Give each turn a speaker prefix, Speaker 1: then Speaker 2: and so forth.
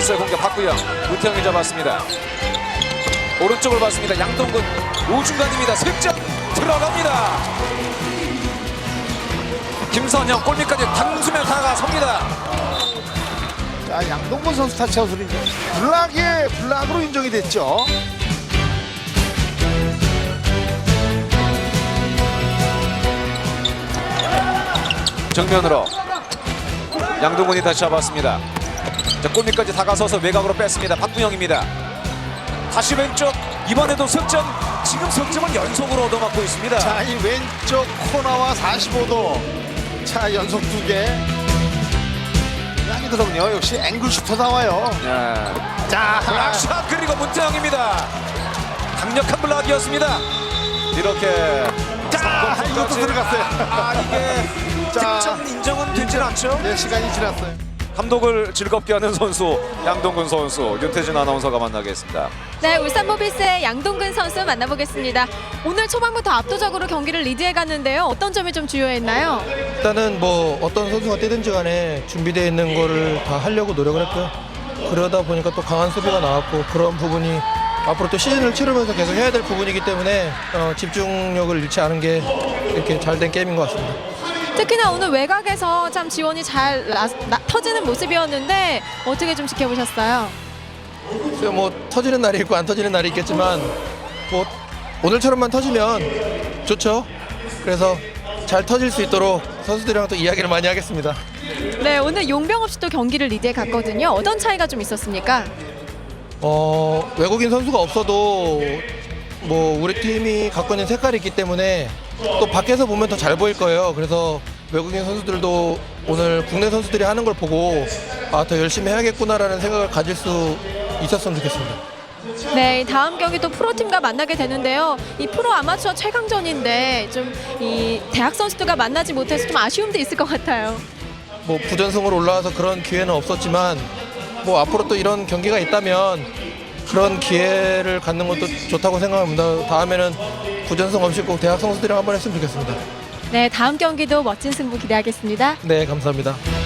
Speaker 1: 있어요. 공격 박구영. 문태영이 잡았습니다. 오른쪽을 봤습니다. 양동근 우중간입니다. 슬점 들어갑니다. 김선영 골밑까지 당수면 다가섭니다.
Speaker 2: 자, 양동근 선수 타치아웃으로 블락으로 인정이 됐죠.
Speaker 1: 정면으로 양동근이 다시 잡았습니다. 자, 골밑까지 다가서서 외곽으로 뺐습니다. 박구영입니다. 다시 왼쪽. 이번에도 석점. 지금 석점을 연속으로 얻어맞고 있습니다.
Speaker 2: 자, 이 왼쪽 코너와 45도. 자, 연속 2개. 아니거든요. 역시 앵글 슈터 나와요.
Speaker 1: 네.
Speaker 2: 자,
Speaker 1: 블락샷 그리고 문태영입니다. 강력한 블락이었습니다. 이렇게
Speaker 2: 자, 이것도 들어갔어요.
Speaker 1: 이게
Speaker 2: 자.
Speaker 1: 득점 인정은 되질 않죠.
Speaker 2: 네, 시간이 지났어요.
Speaker 1: 감독을 즐겁게 하는 선수 양동근 선수, 윤태진 아나운서가 만나겠습니다.
Speaker 3: 네, 울산 모비스의 양동근 선수 만나보겠습니다. 오늘 초반부터 압도적으로 경기를 리드해 갔는데요. 어떤 점이 좀 주요했나요?
Speaker 4: 일단은 뭐 어떤 선수가 뛰든지 간에 준비되어 있는 거를 다 하려고 노력을 했고요. 그러다 보니까 또 강한 수비가 나왔고 그런 부분이 앞으로 또 시즌을 치르면서 계속 해야 될 부분이기 때문에 집중력을 잃지 않은 게 이렇게 잘 된 게임인 것 같습니다.
Speaker 3: 특히나 오늘 외곽에서 참 지원이 잘 터지는 모습이었는데 어떻게 좀 지켜보셨어요?
Speaker 4: 그래서 뭐 터지는 날이 있고 안 터지는 날이 있겠지만 뭐 오늘처럼만 터지면 좋죠. 그래서 잘 터질 수 있도록 선수들이랑 또 이야기를 많이 하겠습니다.
Speaker 3: 네, 오늘 용병 없이 또 경기를 리드해 갔거든요. 어떤 차이가 좀 있었습니까?
Speaker 4: 외국인 선수가 없어도 뭐 우리 팀이 갖고 있는 색깔이 있기 때문에 또 밖에서 보면 더 잘 보일 거예요. 그래서 외국인 선수들도 오늘 국내 선수들이 하는 걸 보고 더 열심히 해야겠구나라는 생각을 가질 수 있었으면 좋겠습니다.
Speaker 3: 네, 다음 경기 또 프로팀과 만나게 되는데요. 이 프로 아마추어 최강전인데 좀 이 대학 선수들과 만나지 못해서 좀 아쉬움도 있을 것 같아요.
Speaker 4: 뭐 부전승으로 올라와서 그런 기회는 없었지만 뭐 앞으로 또 이런 경기가 있다면 그런 기회를 갖는 것도 좋다고 생각합니다. 다음에는 부전승 없이 꼭 대학 선수들이랑 한번 했으면 좋겠습니다.
Speaker 3: 네, 다음 경기도 멋진 승부 기대하겠습니다.
Speaker 4: 네, 감사합니다.